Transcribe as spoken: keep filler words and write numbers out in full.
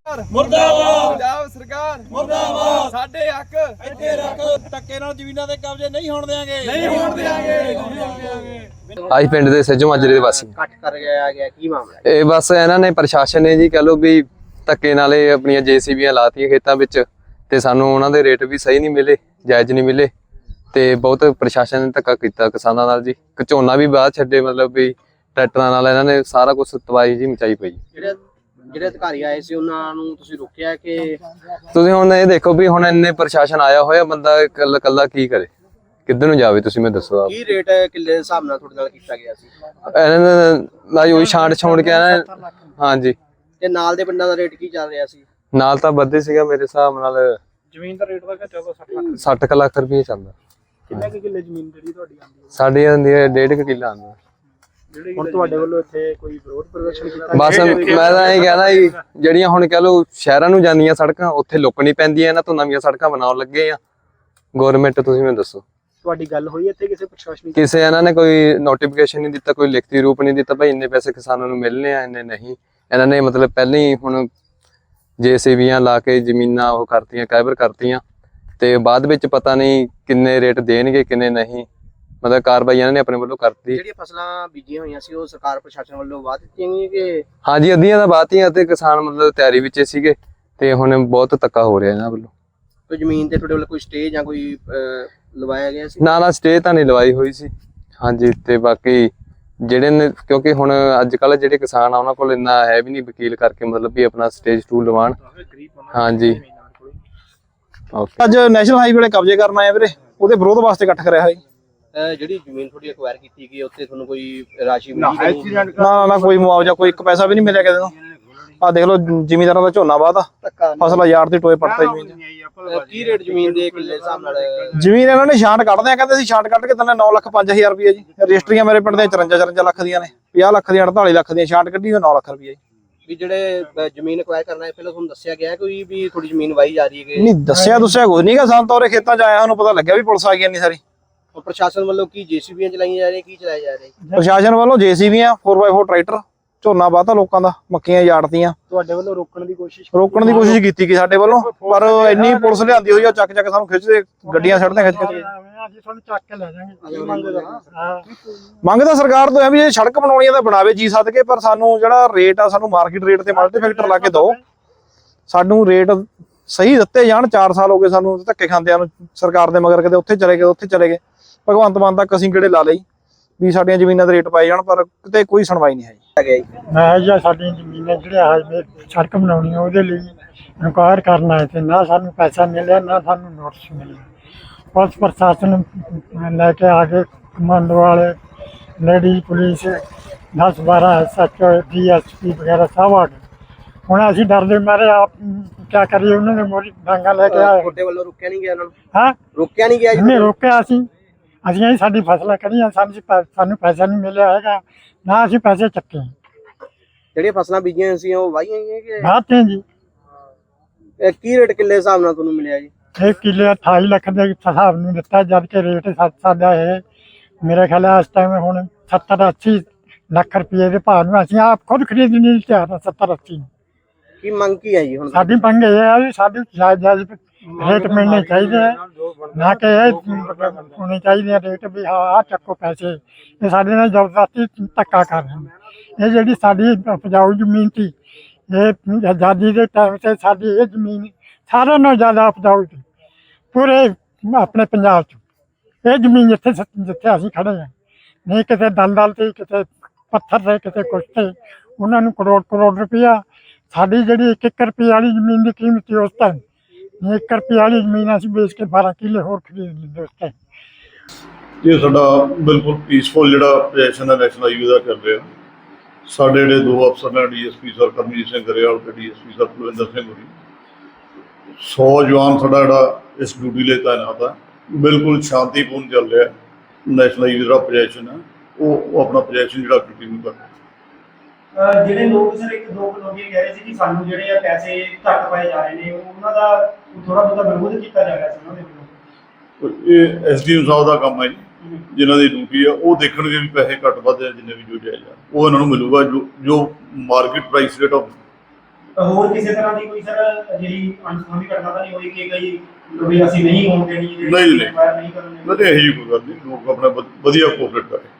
ਮੁਰਦਾਬਾਦ ਪੰਜਾਬ ਸਰਕਾਰ ਮੁਰਦਾਬਾਦ ਸਾਡੇ ਹੱਕ ਇੱਥੇ ਰੱਖ ਧੱਕੇ ਨਾਲ ਜ਼ਮੀਨਾਂ ਦੇ ਕਬਜ਼ੇ ਨਹੀਂ ਹੋਣ ਦੇਾਂਗੇ ਨਹੀਂ ਹੋਣ ਦੇਾਂਗੇ। ਆਹੀ ਪਿੰਡ ਦੇ ਸੱਜੋ ਮਾਜਰੇ ਦੇ ਵਾਸੀ ਕੱਟ ਕਰ ਗਿਆ ਗਿਆ ਕੀ ਮਾਮਲਾ? ਇਹ ਬਸ ਇਹਨਾਂ ਨੇ ਪ੍ਰਸ਼ਾਸਨ ਨੇ ਜੀ ਕਹ ਲੋ ਵੀ ਧੱਕੇ ਨਾਲ ਇਹ ਆਪਣੀਆਂ ਜੇਸੀਬੀਆਂ ਲਾਤੀਆਂ ਖੇਤਾਂ ਵਿੱਚ ਤੇ ਸਾਨੂੰ ਉਹਨਾਂ ਦੇ ਰੇਟ ਵੀ ਸਹੀ ਨਹੀਂ ਮਿਲੇ, ਜਾਇਜ਼ ਨਹੀਂ ਮਿਲੇ ਤੇ ਬਹੁਤ ਪ੍ਰਸ਼ਾਸਨ ਨੇ ਧੱਕਾ ਕੀਤਾ ਕਿਸਾਨਾਂ ਨਾਲ ਜੀ। ਝੋਨਾ ਵੀ ਬਾਅਦ ਛੱਡੇ, ਮਤਲਬ ਵੀ ਟਰੈਕਟਰਾਂ ਨਾਲ ਇਹਨਾਂ ਨੇ ਸਾਰਾ ਕੁਝ ਤਬਾਹੀ ਜੀ ਮਚਾਈ ਪਈ। ਜਿਹੜੇ ਜਿਹੜੇ ਅਧਿਕਾਰੀ ਆਏ ਸੀ ਉਹਨਾਂ ਨੂੰ ਤੁਸੀਂ ਰੋਕਿਆ ਕਿ? ਤੁਸੀਂ ਹੁਣ ਇਹ ਦੇਖੋ ਵੀ ਹੁਣ ਇੰਨੇ ਪ੍ਰਸ਼ਾਸਨ ਆਇਆ ਹੋਇਆ, ਬੰਦਾ ਇਕੱਲਾ ਇਕੱਲਾ ਕੀ ਕਰੇ, ਕਿੱਧਰ ਨੂੰ ਜਾਵੇ? ਤੁਸੀਂ ਮੈਨੂੰ ਦੱਸੋ। ਕੀ ਰੇਟ ਕਿੱਲੇ ਦੇ ਹਿਸਾਬ ਨਾਲ ਤੁਹਾਡੇ ਨਾਲ ਕੀਤਾ ਗਿਆ ਸੀ? ਇਹਨਾਂ ਨੇ ਉਹੀ ਛਾਂਟ ਛਾਉਣ ਕੇ ਆਣਾ। ਹਾਂਜੀ, ਤੇ ਨਾਲ ਦੇ ਪਿੰਡਾਂ ਦਾ ਰੇਟ ਕੀ ਚੱਲ ਰਿਹਾ ਸੀ? ਨਾਲ ਤਾਂ ਵੱਧੇ ਸੀਗਾ ਮੇਰੇ ਹਿਸਾਬ ਨਾਲ ਜ਼ਮੀਨ ਦਾ ਰੇਟ ਦਾ ਘਟਿਆ ਤਾਂ ਸੱਠ ਲੱਖ। ਸੱਠ ਲੱਖ ਰੁਪਏ ਚੱਲਦਾ। ਕਿੰਨੇ ਕੁ ਕਿੱਲੇ ਜ਼ਮੀਨ ਜਿਹੜੀ ਤੁਹਾਡੀ ਆਉਂਦੀ ਹੈ? ਸਾਡੀ ਆਉਂਦੀ ਹੈ ਡੇਢ ਕੁ ਕਿੱਲਾ ਆਉਂਦਾ। ਹੁਣ ਤੁਹਾਡੇ ਵੱਲੋਂ ਇੱਥੇ ਕੋਈ ਵਿਰੋਧ ਪ੍ਰਦਰਸ਼ਨ ਕੀਤਾ? ਬਸ ਮੈਂ ਤਾਂ ਇਹ ਕਹਿਣਾ ਜੀ, ਜਿਹੜੀਆਂ ਹੁਣ ਕਹ ਲਓ ਸ਼ਹਿਰਾਂ ਨੂੰ ਜਾਂਦੀਆਂ ਸੜਕਾਂ ਉੱਥੇ ਲੁੱਕਣੀ ਪੈਂਦੀਆਂ, ਇਹਨਾਂ ਤੋਂ ਨਵੀਆਂ ਸੜਕਾਂ ਬਣਾਉਣ ਲੱਗੇ ਆ ਗਵਰਨਮੈਂਟ। ਤੁਸੀਂ ਮੈਨੂੰ ਦੱਸੋ ਤੁਹਾਡੀ ਗੱਲ ਹੋਈ ਇੱਥੇ ਕਿਸੇ ਪ੍ਰਸ਼ਾਸਨਿਕ? ਕਿਸੇ ਇਹਨਾਂ ਨੇ ਕੋਈ ਨੋਟੀਫਿਕੇਸ਼ਨ ਨਹੀਂ ਦਿੱਤਾ, ਕੋਈ ਲਿਖਤੀ ਰੂਪ ਨਹੀਂ ਦਿੱਤਾ ਭਾਈ ਇੰਨੇ ਪੈਸੇ ਕਿਸਾਨਾਂ ਨੂੰ ਮਿਲਣੇ ਆ, ਇੰਨੇ ਨਹੀਂ। ਇਹਨਾਂ ਨੇ ਮਤਲਬ ਪਹਿਲਾਂ ਹੀ ਹੁਣ ਜੇਸੀਬੀਆਂ ਲਾ ਕੇ ਜ਼ਮੀਨਾਂ ਉਹ ਕਰਤੀਆਂ, ਕਾਇਬਰ ਕਰਤੀਆਂ ਤੇ ਬਾਅਦ ਵਿੱਚ ਪਤਾ ਨਹੀਂ ਕਿੰਨੇ ਰੇਟ ਦੇਣਗੇ ਕਿੰਨੇ ਨਹੀਂ, ਮਤਲਬ ਕਾਰਵਾਈ ਇਹਨਾਂ ਨੇ ਆਪਣੇ ਵੱਲੋਂ ਕਰਤੀ। ਜਿਹੜੀਆਂ ਫਸਲਾਂ ਬੀਜੀਆਂ ਹੋਈਆਂ ਸੀ ਉਹ ਸਰਕਾਰ ਪ੍ਰਸ਼ਾਸਨ ਵੱਲੋਂ ਵਾਅ ਦਿੱਤੀਆਂ ਗਈਆਂ ਕਿ? ਹਾਂਜੀ, ਅੱਧੀਆਂ ਤਾਂ ਬਾਤੀਆਂ ਤੇ ਕਿਸਾਨ ਮਤਲਬ ਤਿਆਰੀ ਵਿੱਚ ਸੀਗੇ ਤੇ ਹੁਣ ਬਹੁਤ ਧੱਕਾ ਹੋ ਰਿਹਾ ਇਹਨਾਂ ਵੱਲੋਂ। ਕੋਈ ਜ਼ਮੀਨ ਤੇ ਤੁਹਾਡੇ ਵੱਲੋਂ ਕੋਈ ਸਟੇ ਜਾਂ ਕੋਈ ਲਵਾਇਆ ਗਿਆ ਸੀ? ਨਾ ਨਾ ਸਟੇ ਤਾਂ ਨਹੀਂ ਲਵਾਈ ਹੋਈ ਸੀ। ਹਾਂਜੀ, ਤੇ ਬਾਕੀ ਜਿਹੜੇ ਨੇ ਕਿਉਂਕਿ ਹੁਣ ਅੱਜ ਕੱਲ ਜਿਹੜੇ ਕਿਸਾਨ ਆ ਉਹਨਾਂ ਕੋਲ ਇੰਨਾ ਹੈ ਵੀ ਨਹੀਂ ਵਕੀਲ ਕਰਕੇ ਮਤਲਬ ਵੀ ਆਪਣਾ ਸਟੇਜ ਟੂ ਲਵਾਉਣ। ਹਾਂਜੀ, ਓਕੇ। ਅੱਜ ਨੈਸ਼ਨਲ ਹਾਈਵੇ ਵਾਲੇ ਕਬਜ਼ੇ ਕਰਨ ਆਏ ਵੀਰੇ, ਉਹਦੇ ਵਿਰੋਧ ਵਾਸਤੇ ਇਕੱਠ ਕਰਿਆ ਹੋਇਆ। ਜਿਹੜੀ ਜ਼ਮੀਨ ਤੁਹਾਡੀ ਅਕਵਾਇਰ ਕੀਤੀ ਗਈ ਉੱਥੇ ਤੁਹਾਨੂੰ ਕੋਈ ਰਾਸ਼ੀ ਮਿਲੀ? ਨਾ ਨਾ ਨਾ ਕੋਈ ਮੁਆਵਜ਼ਾ, ਕੋਈ ਇੱਕ ਪੈਸਾ ਵੀ ਨਹੀਂ ਮਿਲਿਆ ਕਿਸੇ ਨੂੰ। ਆਹ ਦੇਖ ਲਓ ਜ਼ਿਮੀਂਦਾਰਾਂ ਦਾ ਝੋਨਾ ਵਾਹਦਾ ਫਸਲ ਯਾਰ ਦੀ ਟੋਏ ਪੜਤਾ ਜ਼ਮੀਨ ਚ। ਕੀ ਰੇਟ ਜ਼ਮੀਨ ਦੇ ਕਿੱਲੇ ਹਿਸਾਬ ਨਾਲ? ਜ਼ਮੀਨ ਇਹਨਾਂ ਨੇ ਛਾਂਟ ਕੱਢਦੇ ਆ, ਕਹਿੰਦੇ ਸੀ ਛਾਂਟ ਕੱਢ ਕੇ ਦਿੰਦੇ ਨੌ ਲੱਖ ਪੰਜ ਹਜ਼ਾਰ ਰੁਪਏ ਜੀ। ਰਜਿਸਟਰੀਆਂ ਮੇਰੇ ਪਿੰਡ ਦੇ ਚੁਰੰਜਾ ਚੁਰੰਜਾ ਲੱਖ ਦੀਆਂ ਨੇ, ਪੰਜਾਹ ਲੱਖ ਦੀਆਂ ਅੜਤਾਲੀ ਲੱਖ ਦੀਆਂ, ਛਾਂਟ ਕੱਢੀ ਨੌ ਲੱਖ ਰੁਪਏ ਜੀ। ਵੀ ਜਿਹੜੇ ਜ਼ਮੀਨ ਅਕਵਾਇਰ ਕਰਨਾ ਹੈ ਪਹਿਲਾਂ ਤੁਹਾਨੂੰ ਦੱਸਿਆ ਗਿਆ ਕੋਈ ਵੀ ਥੋੜੀ ਜ਼ਮੀਨ ਵਾਈ ਜਾ ਰਹੀ ਹੈ? ਨਹੀਂ ਦੱਸਿਆ ਦੱਸਿਆ ਕੁਝ ਨਹੀਂਗਾ ਸਾਨੂੰ ਤਾਂ। ਉਰੇ ਖੇਤਾਂ ਚ ਆਇਆ ਸਾਨੂੰ ਪਤਾ ਲੱਗਿਆ ਵੀ ਪੁਲਿਸ ਆ ਗਈ ਇੰਨੀ ਸਾਰੀ। ਪ੍ਰਸ਼ਾਸਨ ਵੱਲੋਂ ਕੀ ਜੇਸੀਬੀਆਂ ਚਲਾਈਆਂ ਜਾ ਰਹੀਆਂ, ਕੀ ਚਲਾਇਆ ਜਾ ਰਿਹਾ? ਪ੍ਰਸ਼ਾਸਨ ਵੱਲੋਂ ਜੇਸੀਬੀਆਂ, ਫੋਰ ਬਾਈ ਫੋਰ ਟਰੈਕਟਰ, ਝੋਨਾ ਵਾਹਤਾ ਲੋਕਾਂ ਦਾ, ਮੱਕੀਆਂ ਯਾੜਤੀਆਂ। ਤੁਹਾਡੇ ਵੱਲੋਂ ਰੋਕਣ ਦੀ ਕੋਸ਼ਿਸ਼ ਰੋਕਣ ਦੀ ਕੋਸ਼ਿਸ਼ ਕੀਤੀ ਗਈ ਸਾਡੇ ਵੱਲੋਂ, ਪਰ ਇੰਨੀ ਪੁਲਿਸ ਲਿਆਂਦੀ ਹੋਈ ਆ, ਚੱਕ ਚੱਕ ਸਾਨੂੰ ਖਿੱਚਦੇ, ਗੱਡੀਆਂ ਸੜਦੇ ਖਿੱਚ ਖਿੱਚ। ਅਸੀਂ ਤੁਹਾਨੂੰ ਚੱਕ ਕੇ ਲੈ ਜਾਵਾਂਗੇ। ਮੰਗ ਤਾਂ ਸਰਕਾਰ ਤੋਂ ਹੈ ਵੀ ਇਹ ਸੜਕ ਬਣਾਉਣੀ ਆ ਤਾਂ ਬਣਾਵੇ ਜੀ ਸਦਕੇ, ਪਰ ਸਾਨੂੰ ਜਿਹੜਾ ਰੇਟ ਆ ਸਾਨੂੰ ਮਾਰਕੀਟ ਰੇਟ ਤੇ ਮਲਟੀ ਫੈਕਟਰ ਲਾ ਕੇ ਦਿਓ। ਸਾਨੂੰ ਰੇਟ ਸਹੀ ਦਿੱਤੇ ਜਾਣ। ਚਾਰ ਸਾਲ ਹੋ ਗਏ ਸਾਨੂੰ ਧੱਕੇ ਖਾਂਦਿਆਂ ਨੂੰ ਸਰਕਾਰ ਦੇ ਮਗਰ, ਕਦੇ ਉੱਥੇ ਚਲੇ ਗਏ ਉੱਥੇ ਚਲੇ ਗਏ। ਭਗਵੰਤ ਮਾਨ ਤੱਕ ਅਸੀਂ ਕਿਹੜੇ ਲਾ ਲਈ ਵੀ ਸਾਡੀਆਂ ਜ਼ਮੀਨਾਂ ਦੇ ਰੇਟ ਪਾਏ ਜਾਣ, ਪਰ ਕਿਤੇ ਕੋਈ ਸੁਣਵਾਈ ਨਹੀਂ ਹੈ। ਮੈਂ ਜਾਂ ਸਾਡੀਆਂ ਜ਼ਮੀਨਾਂ ਜਿਹੜੀਆਂ ਹਾਈਵੇ ਸੜਕ ਬਣਾਉਣੀ ਆ ਉਹਦੇ ਲਈ ਇਨਕੁਆਇਰ ਕਰਨਾ ਹੈ ਤੇ ਨਾ ਸਾਨੂੰ ਪੈਸਾ ਮਿਲਿਆ ਨਾ ਸਾਨੂੰ ਨੋਟਿਸ ਮਿਲਿਆ। ਪੁਲਿਸ ਪ੍ਰਸ਼ਾਸਨ ਲੈ ਕੇ ਆ ਗਏ, ਕਮਾਂਡੋ ਵਾਲੇ, ਲੇਡੀ ਪੁਲਿਸ, ਦਸ ਬਾਰਾਂ S H O, D S P ਵਗੈਰਾ ਸਭ ਆ ਗਏ। ਹੁਣ ਅਸੀਂ ਡਰਦੇ ਮਾਰੇ ਆਪ ਕਿਆ ਕਰੀਏ, ਉਹਨਾਂ ਨੇ ਮੋਰੀ ਡਾਂਗਾ ਲੈ ਕੇ ਆਏ। ਤੁਹਾਡੇ ਵੱਲੋਂ ਰੋਕਿਆ ਨਹੀਂ ਗਿਆ ਉਹਨਾਂ ਨੂੰ? ਹਾਂ, ਰੋਕਿਆ ਨਹੀਂ ਗਿਆ? ਇਹਨੇ ਰੋਕਿਆ ਅਸੀਂ ਅਸੀਂ ਅਸੀਂ ਸਾਡੀ ਫਸਲਾਂ ਕਰੀਆਂ, ਸਾਨੂੰ ਸਾਨੂੰ ਪੈਸਾ ਨਹੀਂ ਮਿਲਿਆ ਹੈਗਾ, ਨਾ ਅਸੀਂ ਪੈਸੇ ਚੱਕੇ। ਜਿਹੜੀਆਂ ਫਸਲਾਂ ਬੀਜੀਆਂ ਸੀ ਉਹ ਵਾਹੀਆਂ ਗਈਆਂ ਕਿ? ਬਾਤੇ ਜੀ। ਇਹ ਕੀ ਰੇਟ ਕਿੱਲੇ ਹਿਸਾਬ ਨਾਲ ਤੁਹਾਨੂੰ ਮਿਲਿਆ ਜੀ? ਇਹ ਕਿੱਲੇ ਅਠਾਈ ਲੱਖ ਦੇ ਹਿਸਾਬ ਨੂੰ ਦਿੱਤਾ, ਜਦ ਕਿ ਰੇਟ ਸੱਤ ਸਾਡਾ ਇਹ ਮੇਰੇ ਖਿਆਲ ਇਸ ਟਾਈਮ ਹੁਣ ਸੱਤਰ ਅੱਸੀ ਲੱਖ ਰੁਪਏ ਦੇ ਭਾਅ ਨੂੰ ਅਸੀਂ ਆਪ ਖੁਦ ਖਰੀਦ ਨਹੀਂ ਤਿਆਰ। ਸੱਤਰ ਅੱਸੀ ਕੀ ਮੰਗ ਕੀ ਹੈ ਜੀ ਹੁਣ? ਸਾਡੀ ਮੰਗ ਇਹ ਹੈ ਵੀ ਸਾਡੀ ਜਾਇਜ਼ ਜਾਇਜ਼ ਰੇਟ ਮਿਲਣੇ ਚਾਹੀਦੇ ਹੈ, ਨਾ ਕਿ ਇਹ ਹੋਣੇ ਚਾਹੀਦੇ ਰੇਟ ਵੀ ਹਾਂ ਆਹ ਚੱਕੋ ਪੈਸੇ। ਇਹ ਸਾਡੇ ਨਾਲ ਜ਼ਬਰਦਸਤੀ ਧੱਕਾ ਕਰ ਰਹੇ ਨੇ। ਇਹ ਜਿਹੜੀ ਸਾਡੀ ਉਪਜਾਊ ਜ਼ਮੀਨ ਸੀ, ਇਹ ਆਜ਼ਾਦੀ ਦੇ ਟਾਈਮ 'ਤੇ ਸਾਡੀ ਇਹ ਜ਼ਮੀਨ ਸਾਰਿਆਂ ਨਾਲੋਂ ਜ਼ਿਆਦਾ ਉਪਜਾਊ ਸੀ ਪੂਰੇ ਆਪਣੇ ਪੰਜਾਬ 'ਚ। ਇਹ ਜ਼ਮੀਨ ਜਿੱਥੇ ਜਿੱਥੇ ਅਸੀਂ ਖੜੇ ਹਾਂ, ਨਹੀਂ ਕਿਤੇ ਦਲਦਲ ਤੇ, ਕਿਤੇ ਪੱਥਰ ਤੇ, ਕਿਤੇ ਕੁਛ ਤੇ, ਉਹਨਾਂ ਨੂੰ ਕਰੋੜ ਕਰੋੜ ਰੁਪਇਆ। ਸਾਡੀ ਜਿਹੜੀ ਇੱਕ ਇੱਕ ਰੁਪਏ ਵਾਲੀ ਜ਼ਮੀਨ ਦੀ ਕੀਮਤ ਸੀ ਉਸ ਟਾਈਮ, ਇੱਕ ਰੁਪਏ ਵਾਲੀ ਜ਼ਮੀਨ ਅਸੀਂ ਵੇਚ ਕੇ ਬਾਰਾਂ ਕਿੱਲੇ ਹੋਰ ਖਰੀਦ ਲੈਂਦੇ ਉਸ ਟਾਈਮ। ਇਹ ਸਾਡਾ ਬਿਲਕੁਲ ਪੀਸਫੁਲ ਜਿਹੜਾ ਪ੍ਰੋਜੈਕਸ਼ਨ ਹੈ ਨੈਸ਼ਨਲ ਹਾਈਵੇ ਦਾ ਕਰ ਰਿਹਾ। ਸਾਡੇ ਜਿਹੜੇ ਦੋ ਅਫਸਰ ਨੇ, D S P sir Karamjit Singh Grewal ਤੇ D S P sir Kulwinder Singh ਹੋਰੀ, ਸੌ ਜਵਾਨ ਸਾਡਾ ਜਿਹੜਾ ਇਸ ਡਿਊਟੀ ਲਈ ਤਾਇਨਾਤ ਹੈ। ਬਿਲਕੁਲ ਸ਼ਾਂਤੀਪੂਰਨ ਚੱਲ ਰਿਹਾ। ਨੈਸ਼ਨਲ ਹਾਈਵੇ ਦਾ ਪ੍ਰੋਜੈਕਸ਼ਨ ਹੈ ਉਹ ਆਪਣਾ ਪ੍ਰੋਜੈਕਸ਼ਨ ਜਿਹੜਾ ਕੰਟੀਨਿਊ ਕਰ ਰਿਹਾ। ਜਿਹੜੇ ਲੋਕ ਸਰ ਇੱਕ ਦੋ ਲੋਕੀ ਕਹਿ ਰਹੇ ਸੀ ਕਿ ਸਾਨੂੰ ਜਿਹੜੇ ਆ ਪੈਸੇ ਘੱਟ ਪਾਏ ਜਾ ਰਹੇ ਨੇ, ਉਹਨਾਂ ਦਾ ਥੋੜਾ ਬਹੁਤਾ ਵਿਰੋਧ ਕੀਤਾ ਜਾ ਰਿਹਾ ਸੀ ਉਹਨਾਂ ਦੇ ਵੱਲੋਂ। ਇਹ ਐਸ ਡੀ ਐਮ ਸਾਹਿਬ ਦਾ ਕੰਮ ਹੈ ਜੀ, ਜਿਨ੍ਹਾਂ ਦੀ ਡਿਊਟੀ ਆ ਉਹ ਦੇਖਣਗੇ ਵੀ ਪੈਸੇ ਘੱਟ ਵੱਧ ਆ, ਜਿੰਨੇ ਵੀ ਜੋ ਜਾਇਜ਼ ਆ ਉਹ ਇਹਨਾਂ ਨੂੰ ਮਿਲੂਗਾ। ਜੋ ਜੋ ਮਾਰਕੀਟ ਪ੍ਰਾਈਸ ਰੇਟ ਆਫ ਹੋਰ ਕਿਸੇ ਤਰ੍ਹਾਂ ਦੀ ਕੋਈ ਸਰ ਜਿਹੜੀ ਅਣਸੁਖਾਵੀ ਘਟਨਾ ਤਾਂ ਨਹੀਂ ਹੋਈ ਕਿ ਕਈ ਵੀ ਅਸੀਂ ਨਹੀਂ ਹੋਣ ਦੇਣੀ ਨਹੀਂ, ਨਹੀਂ। ਨਹੀਂ ਕਰਨ ਦੇਣੀ? ਨਹੀਂ ਇਹੋ ਜਿਹੀ ਕੋਈ ਗੱਲ ਨਹੀਂ, ਲੋਕ ਆਪਣਾ ਵਧ- ਵਧੀਆ ਕੋਆਪਰੇਟ ਕਰੇ।